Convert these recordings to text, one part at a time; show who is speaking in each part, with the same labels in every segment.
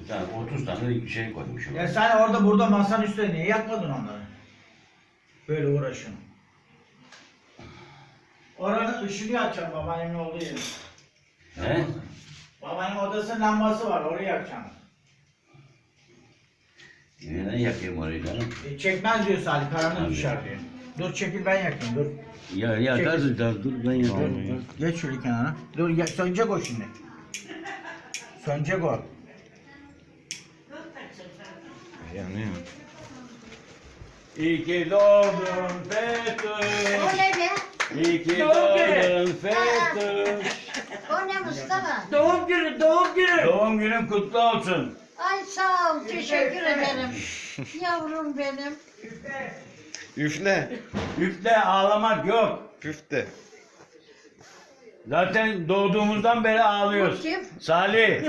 Speaker 1: tane, 30 tane şey koymuşum.
Speaker 2: Ya sen orada burada masanın üstüne niye yakmadın onları? Böyle uğraşın. Oranın ışığını yakacağım babaannemin olduğu yeri.
Speaker 1: He?
Speaker 2: Babaannemin odasının lambası var, orayı yakacağım.
Speaker 1: Neden yakayım orayı canım?
Speaker 2: Çekmez diyor Salih, karanlık
Speaker 1: Tabii.
Speaker 2: düşer diyor. Dur çekil ben yakayım, dur.
Speaker 1: Ya yakarsın tabii, dur ben yakarım.
Speaker 2: Geç şöyle kenara. Dur ya, sönecek o şimdi. Sönecek o.
Speaker 3: Yanıyor.
Speaker 1: İyi ki doğdun Fethuş.
Speaker 4: O ne be?
Speaker 1: İyi ki
Speaker 5: Doğum günü.
Speaker 1: doğdun Fethuş.
Speaker 4: O ne Mustafa?
Speaker 5: Doğum günü, doğum günü.
Speaker 1: Doğum günün kutlu olsun.
Speaker 4: Ay sağ ol, teşekkür ederim. Yavrum benim.
Speaker 3: Üfle.
Speaker 1: Üfle, ağlamak yok.
Speaker 3: Üfle.
Speaker 1: Zaten doğduğumuzdan beri ağlıyoruz.
Speaker 4: Bu kim?
Speaker 1: Salih.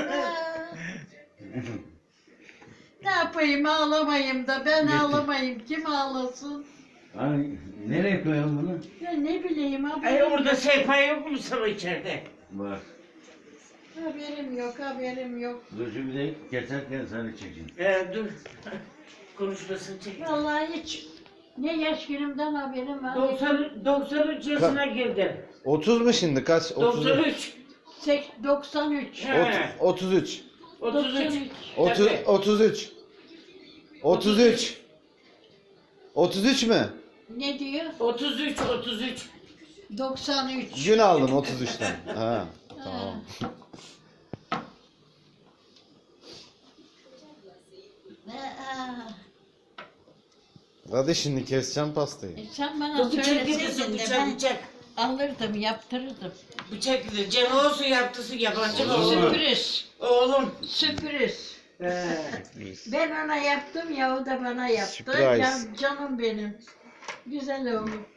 Speaker 4: Ne yapayım ağlamayayım da ben
Speaker 1: Getir.
Speaker 4: ağlamayayım kim ağlasın?
Speaker 1: Hani nereye koyalım bunu?
Speaker 4: Ya ne bileyim
Speaker 5: Ay
Speaker 4: haberim,
Speaker 5: orada sehpa yok mu sana içeride?
Speaker 1: Bak.
Speaker 4: haberim yok haberim yok.
Speaker 1: Dur şimdi de keserken Salih çeksin.
Speaker 5: Dur. Konuşmasını çek.
Speaker 4: Vallahi hiç ne yaş günümden haberim var.
Speaker 5: 93 yaşına girdim.
Speaker 3: 30 mu şimdi kaç?
Speaker 5: 93.
Speaker 4: 93.
Speaker 5: He.
Speaker 3: 33.
Speaker 5: 33.
Speaker 3: 33. 33. 33 mü?
Speaker 4: Ne diyor?
Speaker 5: 33.
Speaker 4: 93.
Speaker 3: Gün aldın 33'ten. Ha, tamam. Hadi şimdi keseceğim pastayı.
Speaker 4: Sen bana
Speaker 5: Bu bıçak
Speaker 4: söyleseydin
Speaker 5: gidiyorsun,
Speaker 4: de
Speaker 5: bıçak,
Speaker 4: ben
Speaker 5: bıçak.
Speaker 4: alırdım yaptırırdım.
Speaker 5: Bıçak gidiyor. Cem olsun yaptısı yabancı olsun.
Speaker 4: Sürpriz.
Speaker 5: Oğlum.
Speaker 4: Sürpriz.
Speaker 5: He.
Speaker 4: Ben ona yaptım ya o da bana yaptı.
Speaker 3: Surprise.
Speaker 4: Ya, canım benim. Güzel oğlum.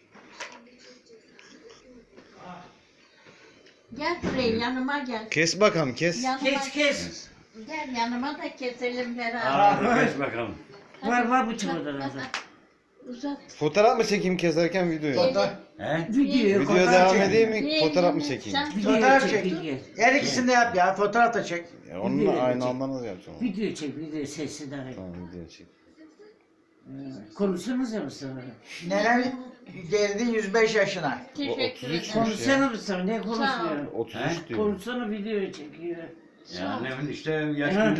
Speaker 4: Gel buraya yanıma gel.
Speaker 3: Kes bakalım kes.
Speaker 4: Yanıma
Speaker 5: Kes.
Speaker 4: Gel yanıma da keselim beraber.
Speaker 1: Abi kes bakalım.
Speaker 5: Var bıçak odada.
Speaker 4: Uzat.
Speaker 3: Fotoğraf mı çekeyim keserken videoyu?
Speaker 2: Fotoğraf,
Speaker 1: He?
Speaker 5: Video.
Speaker 3: Video devam
Speaker 2: çek.
Speaker 3: edeyim mi? Fotoğraf mı çekeyim?
Speaker 4: Sen
Speaker 2: fotoğraf çek.
Speaker 5: Video.
Speaker 2: Her ikisini de yap ya, fotoğraf da çek.
Speaker 3: Ya onunla aynı anda nasıl yapacağım?
Speaker 5: Video çek, video sesi daha iyi.
Speaker 3: Tamam video çek.
Speaker 5: Konuşsanız ya Mustafa.
Speaker 2: Neler geldi 105 yaşına.
Speaker 4: teşekkür
Speaker 3: 33
Speaker 4: ederim.
Speaker 5: Konuşsana Mustafa, ne konuşmuyor?
Speaker 3: 33
Speaker 1: He?
Speaker 3: diyor.
Speaker 5: Konuşsana video çekiyor.
Speaker 1: Ya ne işte yaş